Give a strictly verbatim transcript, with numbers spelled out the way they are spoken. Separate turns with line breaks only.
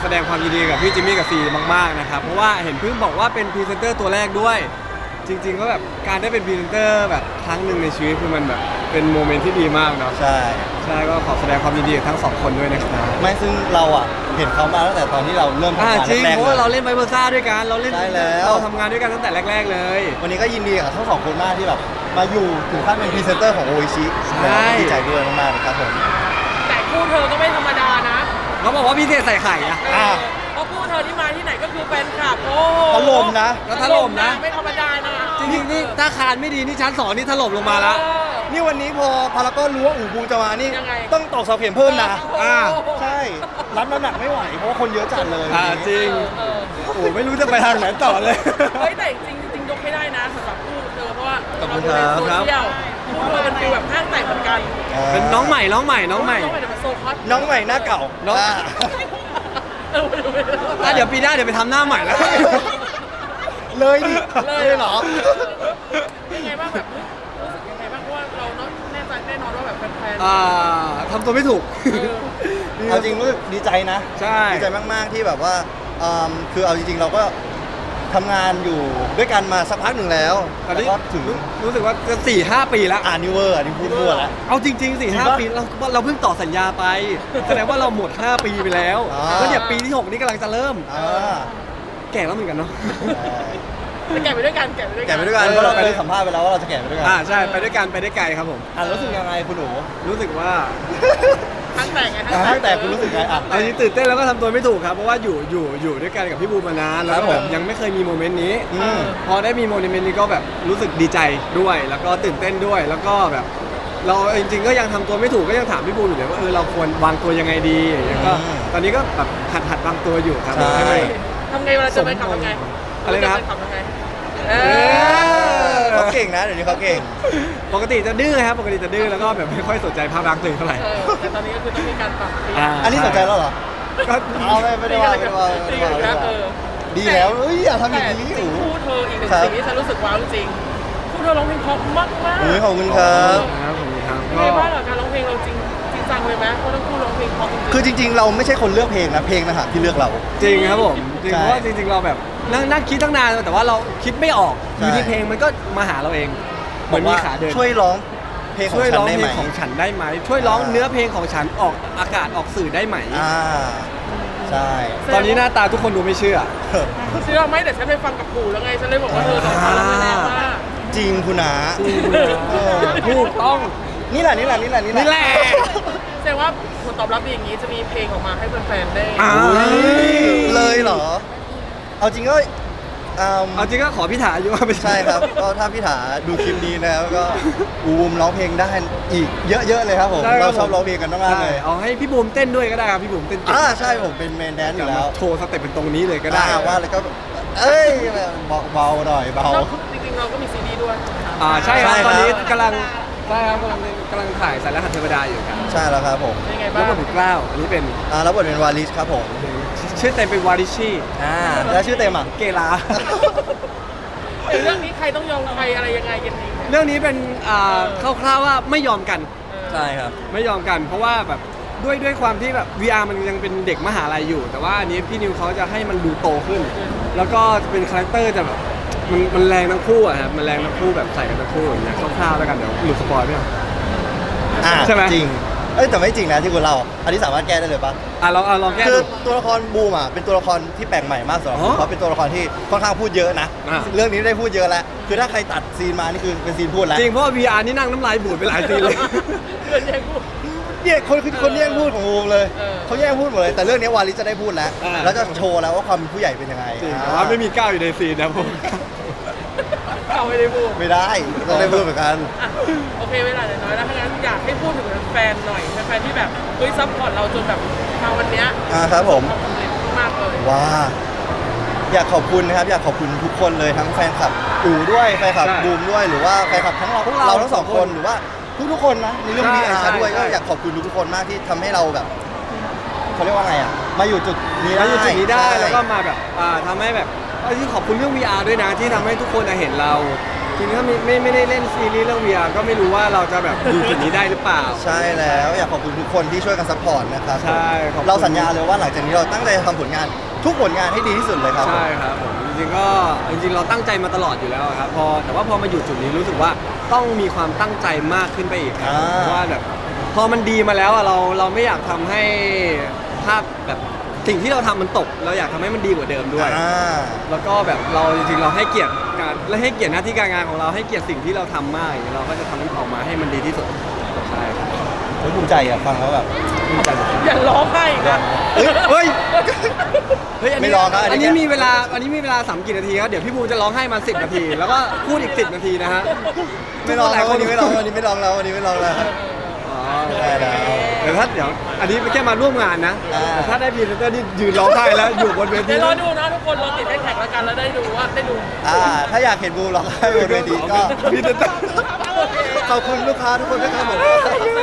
ดงความยินดีกับพี่จิมมี่กับซีมากๆนะครับเพราะว่าเห็นเพิ่งบอกว่าเป็นพรีเซนเตอร์ตัวแรกด้วยจริงๆก็แบบการได้เป็นพรีเซนเตอร์แบบครั้งหนึ่งในชีวิตคือมันแบบเป็นโมเมนต์ที่ดีมากเนาะ
ใช่
ใช่ก็ขอแสดงความยินดีกับทั้งสองคนด้วยนะครับ
ไม่ซึ่งเราอ่ะเห็นเขามาตั้งแต่ตอนที่เราเริ่มทำาน
อ่างจริง
แรก
เพ
ๆ
ราะว่า
เล
เรา
ย
เล่นไบเบอร์ซ่าด้วยกันเราเล่น
ใช่แล้ว
เราทำงานด้วยกันตั้งแต่แรกๆเลย
วันนี้ก็ยินดีกับทั้งสองคนมากที่แบบมาอยู่ถึงขั้นเป็นพรีเซนเตอร์ของโออิชิ
ใช่
ดีใจด้วยมากๆนะครับผม
แต่คู่เธอก็ไม่ธรรมดานะ
เขาบอกว่าพิเศษใส่ไข่อะ
เออเพราะคู่เธอที่มาที่ไหนก็คือแฟนคลับโอ้โห
ถล่มนะ
แล้วถล่มนะ
ไม่ธรรมดานะ
จริงๆนี่ถ้าคานไม่ดีนี่ชั้นสองนี่ถล่มลงมาแล้ว
เออ
นี่วันนี้พอพารากอนรู้ว่าอู่บูจะมานี่
ยังไง
ต้องตอกเสาเข็มเพิ่มนะ
อ่า
ใช่รับน้ำหนักไม่ไหวเพราะว่าคนเยอะจัดเลย
อ่าจริง
เออ
โอ้โหไม่รู้จะไปทางไหนต่อเลย
เฮ้ยแต่จริงๆจริงๆยกให้ได้นะสำหรับคู่เธอเพราะว่า
ขอบคุณ
เราดูใน
ครับ
โซเชียลคู่เธอเป็นฟีลแบบห้างแตกเหมือนกัน
เป็นน้องใหม่น้องใหม่น้องใหม่
น้องใหม่แต่มันโซคอส
น้องใหม่หน้าเก่า
น้อง
อ่า
เออไม่รู้ไม่รู้
อ่ะเดี๋ยวปีหน้าเดี๋ยวไปทำหน้าใหม่แล้ว
เลยดิ
เลย
เลยเหรอ
ยังไงบ้างแบบรู้สึกยังไงบ้างเพราะว่าเราเนาะแน่ใจแน่นอนว่าแบบแฟนๆ
อ่าทำตัวไม่ถูก
เออ
เอาจริงรู้สึกดีใจนะ
ใช่
ดีใจมากๆที่แบบว่าอืมคือเอาจริงๆเราก็ทำงานอยู่ด้วยกันมาสักพักหนึ่งแล้ว
ตอน
แล้ว
นี้
ก็ถึง
รู้รู้สึกว่าจะสี่ห้าปีแล้ว
อ่านิเวอร์อันนี้พูดทั่วแล้ว
เอาจริงๆสี่ห้า
จริงปะ
ปีเราเราเพิ่งต่อสัญญาไป แสดงว่าเราหมดห้าปีไปแล้ว
อ่า
แล้วเนี่ยปีที่หกนี่กำลังจะเริ่ม
อ่า
แก่แล้วเหมือนกันเนาะ
จะแกะไปด้วยกันแกะไปด้วยกัน
แก่ไปด้วยกัน
เออ
เพราะเราไปได้สัมภาษณ์ไปแล้วว่าเราจะแก่ไปด้วยกั
อ่าใช่ไปด้วยกันไปได้ไกลครับผม
อ่ะรู้สึกยังไงคุณหนู
รู้สึกว่า
ทั้งแต่งไง
อ่ะตั้งแต่คุณรู้สึกไงอ่ะ
เอาจริงตื่นเต้นแล้วก็ทำตัวไม่ถูกครับเพราะว่าอยู่อยู่อยู่ด้วยกันกับพี่บูมมานานแล้ว
ครั
ก็
บ
แบบ
ผม
ยังไม่เคยมีโมเมนต์นี้
อืม
พอได้มีโมเมนต์นี้ก็แบบรู้สึกดีใจด้วย แล้วก็ตื่นเต้นด้วยแล้วก็แบบ เราจริงๆก็ยังทำตัวไม่ถูกก็ยังถามพี่บูมอยู่เลยว่าเออเราควรวางตัวยังไงดีอย่างเงี้ยก็
อืม
ตอนนี้ก็แบบหัดหัดวางตัวอยู่ครับ
ใช่
ให้มัน
ทำไงเวลาเจอแฟนคลับทำไง
อะไรนะ
เจแฟคลับทำไงเอ
เอ
อ
เขาเก่งนะเดี๋ยวนี้เขาเก่ง
ปกติจะดื้อครับปกติจะดื้อแล้วก็แบบไม่ค่อยสนใจภาพลักษณ์ตัวเองเท่าไหร่
เออแต่ตอนนี้ก็คือต้องมีการปรับเปลี่ยน
อ่า
อันนี้สนใจแล้วเหรอ
ก็
เอาไม่ไม่ได้ว่าไม่ได้ว่าไม่ได้ว่าไม่ได้
เอ
ว่า
อ
ดีแล้วเอ้ยอย่าทำอ
แต่
ย่าง
จ
นี้
ริง
อู๋
ๆคู่เธออีกหนึ่ง
ครับ
สิ่งที่ฉันรู้สึกว้าวจริงๆคู่เธอร้องเพลงเพราะมากมาก
อุ้ยขอบคุณครับ
ครับผมครับ
ยังไงบ้างกับการร้องเพลงเราจริงจริงจังเลยไหมเพราะทั้งคู่ร้องเพลงเพราะจริงๆ
คือจริง ๆ เราไม่ใช่คนเลือกเพลงนะเพลงนะฮะที่เลือกเรา
จริงครับผมจริง
ใช่
เพราะว่าจริงๆเราแบบนั่งนั่งคิดตั้งนานแต่ว่าเราคิดไม่ออกอ
ใช่
ยู่ที่เพลงมันก็มาหาเราเองเหมือนมีขาเดิน
ช่วยร้องเพลงของ
ช่วย
ฉัน
ร้อง
ได้
เพ
ไห
ล
ม
งของฉันได้ไหมช่วยร้อง
อ่า
เนื้อเพลงของฉันออกอากาศออกสื่อได้ไหม
อ่าใช่
ตอนนี้หน้าตาทุกคนดูไม่เชื่อ
เชื่อไหมแต่ฉันไปฟังกับปู่แล้วไงฉันเลยบอกว่าเธอสองคนแล้วไม่แน่ว่า
จริงคุณนา เออ
ถูกต้อง
นี่แหละนี่แหละนี่แหละนี่
นี่แหละ
แสดงว่าผลตอบรับดีอย่างนี้จะมีเพลงออกมาให้แฟนๆได้
อ่า
อุ๊ยเลยเหรอ เอาจริงก็อืม
เอาจริงก็ขอพี่ถาอยู่ว่าไม่
ใช่ครับ ก็ถ้าพี่ถาดูคลิปนี้นะครับก็อูมร้องเพลงได้อีกเยอะๆเลยครับผม
ใช่ค
เรา
บ
ชอบร้องเพลงกันมากๆ
ใช่
เลย
เอาให้พี่บูมเต้นด้วยก็ได้ครับพี่บูมเต้นเก่ง
อ่าใช่ผมเป็นเมนแดนซ์อยู่แล้ว
โชว์สเต็ปเป็นตรงนี้เลยก็ได้
อ่าว่าแล้วก็เอ้ยเบาๆหน่อยเบา
เราจริงๆเราก็มีซีดีด้วย
อ่าใช่ครับ
ใช่ครับ
ตอนนี้กำลังใช่ครับกำลังกำลังถ่ายสายรหัสเทวดาอยู่ครับ
ใช่แล้วครับผม
เป็นไง
แล้
บ้าว ง
ก็ถึงกล้าวอันนี้เป็น
อ่าแล้วบทเป็นวาลิสครับผม
ชื่อเต็มเป็นวาริชี
อ่าแล้วชื่อเต็มอ่ะ
เกลา
ในเรื่องนี้ใครต้องยอมใครอะไรยังไงกันดีเนี่ย
เรื่องนี้เป็นอ่าคร่าวๆว่าไม่ยอมกัน
ใช่ครับ
ไม่ยอมกัน เพราะว่าแบบด้วยด้วยความที่แบบ วี อาร์ มันยังเป็นเด็กมหาลัยอยู่ แต่ว่าอันนี้พี่นิวเขาจะให้มันดูโตขึ้น แล้วก็เป็นคาแรคเตอร์จะแบบมันมันแรงทั้งคู่อะครับมันแรงทั้งคู่แบบใส่กันทั้งคู่อย่างเงี้ยคร่าวๆแล้วกันเดี๋ยวหลุดสปอยล์ไม่เอา
อ่า
ใช่ไหม
จริงเอ้ยแต่ไม่จริงนะที่คุณเล่าอันนี้สามารถแก้ได้เลยปะ
อ่ะลองอ่ะลองแก้
คือ
ดู
ตัวละครบูมอ่ะเป็นตัวละครที่แปลกใหม่มากสำหรับ
อ๋
ผ
อ
มเพราะเป็นตัวละครที่ค่อนข้างพูดเยอะนะ
อ่า
เรื่องนี้ได้พูดเยอะแล้วคือถ้าใครตัดซีนมานี่คือเป็นซีนพูดแล้ว
จริงเพราะว่า วี อาร์ นี่นั่งน้ำลายบูดไปหลายทีเลย
เพื่อนแย่งพูด
เนี่ยคนคือคนแย่งพูดของบูมเลย
เออ
เขาแย่งพูดหมดเลยแต่เรื่องนี้วาลิสจะได้พูดแล้ว
อ่า
แล้วจะโชว์แล้วว่าความเป็นผู้ใหญ่เป็นยังไง
จริง
อ่
แต่ว่าไม่มีก้าวอยู่ในซีนนะผม
เขาไม่ได้พูด
ไม่ได้ต้องได้พูดเหมือนกัน
อ่ะโอเคเวลาเหลือน้อยแล้วถ้างั้นอยากให้พูดถึงแฟนๆหน่อยแฟนๆที่แบบเฮ้ยซัพพอร์ตเราจนแบบมาวันเนี้ย
อ่าครับผม
ทำสำเร็จมากเลย
ว้าอยากขอบคุณนะครับอยากขอบคุณทุกคนเลยทั้งแฟนคลับอู๋ด้วยแฟนคลับ
ใช่
บูมด้วยหรือว่าแฟนคลับทั้งเรา
พวกเรา
เราทั้งสองคนหรือว่าทุกๆคนนะในเรื่อง
ใช่
นี้อา
ใช่
ด้วย
ใช่
ก็อยากขอบคุณทุกๆคนมากที่ทำให้เราแบบเขาเรียกว่าไงอ่ะมาอยู่จุดนี้ได้
แล้วอยู่จุดนี้ได้
ใช่
แล้วก็มาแบบอ่าทำให้แบบเอ้ยขอบคุณเรื่อง วี อาร์ ด้วยนะที่ทำให้ทุกคนเห็นเราจริงๆถ้าไม่ไม่ไม่ได้เล่นซีรีส์เรื่อง วี อาร์ ก็ไม่รู้ว่าเราจะแบบอยู่จุดนี้ได้หรือเปล่า
ใช่แล้วอยากขอบคุณทุกคนที่ช่วยกันซัพพอร์ตนะครับ
ใช่ขอบคุณ
เราสัญญาเลยว่าหลังจากนี้เราตั้งใจทำผลงานทุกผลงานให้ดีที่สุดเลยครับ
ใช่ครับผมจริงๆก็จริงๆเราตั้งใจมาตลอดอยู่แล้วครับพอแต่ว่าพอมาอยู่จุดนี้รู้สึกว่าต้องมีความตั้งใจมากขึ้นไปอีกครับ
อ่า
เพราะว่าแบบพอมันดีมาแล้วอะเราเราไม่อยากทำให้ภาพแบบสิ่งที่เราทำมันตก เราอยากทำให้มันดีกว่าเดิมด้วย
อ่า
แล้วก็แบบเราจริงๆเราให้เกียรติการและให้เกียรติหน้าที่การงานของเราให้เกียรติสิ่งที่เราทำมากอย่างเงี้ยเราก็จะทำมันออกมาให้มันดีที่สุดใช่ครับ
เฮ้ยภูมิใจอ่ะฟังแล้วแบบ
ภูมิใจหมด
อย่าร้องไห้อีกนะ
เฮ้ยเฮ้ยเฮ้ยอัน
ไม่
นี้
ร้องครับอันนี้
อันนี้มีเวลาอันนี้มีเวลาสามกี่นาทีครับเดี๋ยวพี่บูมจะร้องให้มาสิบนาที แล้วก็พูดอีกสิบนาทีนะฮะ
ไม่ร้อง
ห
แล้
ลายว ค
วัน นนี้ไม่ร้องวันนี้ไม่ร้องแล้ววันนี้ไม่ร้องแล้ว
อ๋อ
ได้แล้ว
เดี๋ยวถ้าเดี๋ยวอันนี้แค่มาร่วมงานนะ
อ่า
แต่ถ้าได้พรีเซนเตอร์ที่ยืนร้องไห้แล้วอยู่บนเวที
เดี๋ยวรอดูนะทุกคนเราติดแฮชแท็กแล้วกันแล้วได้ดูว่าได้ดู
อ่าถ้าอยากเห็นบูร้องไห้บนเวทีก็
พรีเซนเตอร์
ขอบคุณลูกค้าทุกคนด้วยครับผม